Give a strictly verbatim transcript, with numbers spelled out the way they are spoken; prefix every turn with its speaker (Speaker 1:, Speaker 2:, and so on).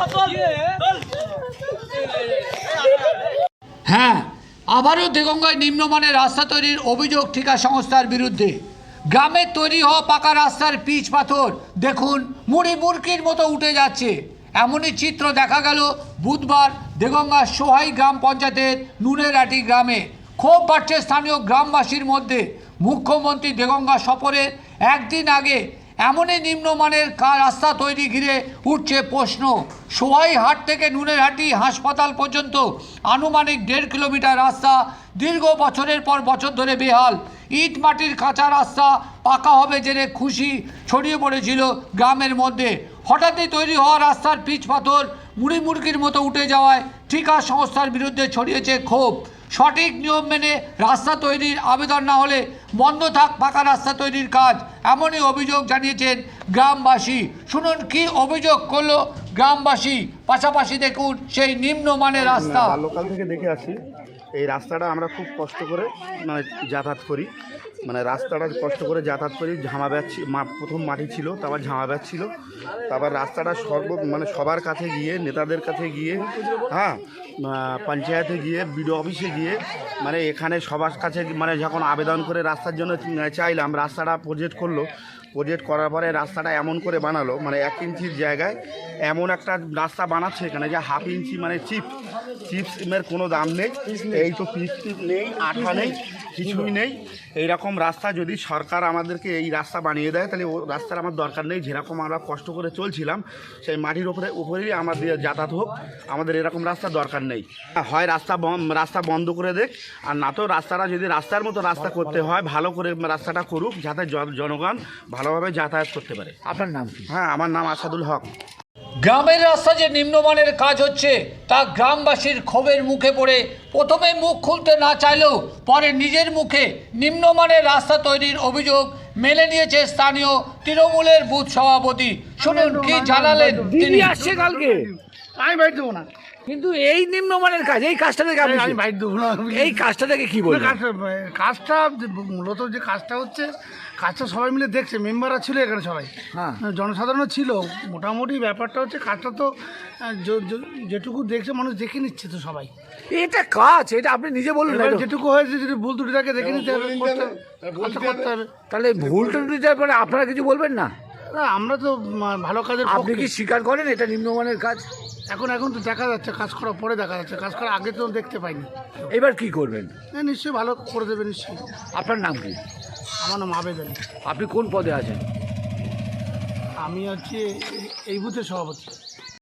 Speaker 1: হ্যাঁ, আবারও দেগঙ্গায় নিম্নমানের রাস্তা তৈরির অভিযোগ ঠিকা সংস্থার বিরুদ্ধে। গ্রামে তৈরি হওয়া পাকা রাস্তার পিচ পাথর দেখুন মুড়ি মুরকির মতো উঠে যাচ্ছে। এমনই চিত্র দেখা গেল বুধবার দেগঙ্গার সোহাই গ্রাম পঞ্চায়েতের নুনেরহাটি গ্রামে। ক্ষোভ বাড়ছে স্থানীয় গ্রামবাসীর মধ্যে। মুখ্যমন্ত্রী দেগঙ্গা সফরের একদিন আগে এমনই নিম্নমানের রাস্তা তৈরি ঘিরে উঠছে প্রশ্ন। সোহাই হাট থেকে নুনেরহাটি হাসপাতাল পর্যন্ত আনুমানিক দেড় কিলোমিটার রাস্তা দীর্ঘ বছরের পর বছর ধরে বেহাল। ইট মাটির কাঁচা রাস্তা পাকা হবে জেনে খুশি ছড়িয়ে পড়েছিল গ্রামের মধ্যে। হঠাৎই তৈরি হওয়া রাস্তার পিচ পাথর মুড়ি মুরগির মতো উঠে যাওয়ায় ঠিকা সংস্থার বিরুদ্ধে ছড়িয়েছে ক্ষোভ। সঠিক নিয়ম মেনে রাস্তা তৈরির আবেদন না হলে বন্ধ থাক পাকা রাস্তা তৈরির কাজ, এমনই অভিযোগ জানিয়েছেন গ্রামবাসী। শুনুন কি অভিযোগ করলো গ্রামবাসী, পাশাপাশি দেখুন সেই নিম্নমানের রাস্তা।
Speaker 2: লোকাল থেকে দেখে আসি, এই রাস্তাটা আমরা খুব কষ্ট করে মানে যাতায়াত করি, মানে রাস্তাটা কষ্ট করে যাতায়াত করি। ঝামা ব্যাচ প্রথম মাটি ছিল, তারপর ঝামা ব্যাচ ছিল, তারপর রাস্তাটা সর্ব মানে সবার কাছে গিয়ে, নেতাদের কাছে গিয়ে, হ্যাঁ পঞ্চায়েতে গিয়ে, বিডিও অফিসে গিয়ে, মানে এখানে সবার কাছে মানে যখন আবেদন করে রাস্তার জন্য চাইলাম, রাস্তাটা প্রজেক্ট করলো। প্রজেক্ট করার পরে রাস্তাটা এমন করে বানালো, মানে এক ইঞ্চির জায়গায় এমন একটা রাস্তা বানাচ্ছে এখানে যে হাফ ইঞ্চি মানে চিপ চিপসের কোনো দাম নেই। এই তো পিচ টিপ নেই, আঠা নেই, কিছুই নেই। এইরকম রাস্তা যদি সরকার আমাদেরকে এই রাস্তা বানিয়ে দেয় তাহলে ও রাস্তার আমার দরকার নেই। যেরকম আমরা কষ্ট করে চলছিলাম সেই মাটির উপরে উপরেই আমাদের যাতায়াত হোক, আমাদের এরকম রাস্তা দরকার নেই। হয় রাস্তা রাস্তা বন্ধ করে দেখ, আর না তো রাস্তাটা যদি রাস্তার মতো রাস্তা করতে হয় ভালো করে রাস্তাটা করুক, যাতে জনগণ ভালোভাবে যাতায়াত করতে পারে।
Speaker 1: আপনার নাম কি?
Speaker 2: হ্যাঁ, আমার নাম আসাদুল হক।
Speaker 1: গ্রামের রাস্তা যে নিম্নমানের কাজ হচ্ছে তা গ্রামবাসীর ক্ষোভের মুখে পড়ে প্রথমে মুখ খুলতে না চাইলেও পরে নিজের মুখে নিম্নমানের রাস্তা তৈরির অভিযোগ মেনে নিয়েছে স্থানীয় তৃণমূলের বুথ সভাপতি। শুনুন কি জানালেন তিনি।
Speaker 3: আসছে কালকে, আমি বাইর দেবো না,
Speaker 1: কিন্তু এই নিম্নমানের কাজ, এই কাজটা থেকে আপনি
Speaker 3: আমি বাইর দেবো না।
Speaker 1: এই কাজটা থেকে কি বলবেন?
Speaker 3: কাজটা মূলত যে কাজটা হচ্ছে, কাজটা সবাই মিলে দেখছে, মেম্বাররা ছিল এখানে, সবাই
Speaker 1: হ্যাঁ,
Speaker 3: জনসাধারণও ছিল। মোটামুটি ব্যাপারটা হচ্ছে কাজটা তো যেটুকু দেখছে মানুষ দেখে নিচ্ছে তো সবাই।
Speaker 1: এটা কাজ, এটা আপনি নিজে বললেন,
Speaker 3: যেটুকু হয়েছে যদি ভুল ত্রুটি থাকে দেখে নিতে হবে, করতে হবে।
Speaker 1: তাহলে ভুল ত্রুটিটার পরে আপনারা কিছু বলবেন না?
Speaker 3: না, আমরা তো ভালো কাজের।
Speaker 1: আপনি কি স্বীকার করেন এটা নিম্নমানের কাজ?
Speaker 3: এখন এখন তো দেখা যাচ্ছে, কাজ করার পরে দেখা যাচ্ছে, কাজ করার আগে তো দেখতে পাইনি।
Speaker 1: এবার কি করবেন?
Speaker 3: হ্যাঁ, নিশ্চয়ই ভালো করে দেবে নিশ্চয়ই।
Speaker 1: আপনার নাম কি?
Speaker 3: আমার নাম আবেদন।
Speaker 1: আপনি কোন পদে আছেন?
Speaker 3: আমি হচ্ছে এই বুথের সভাপতি।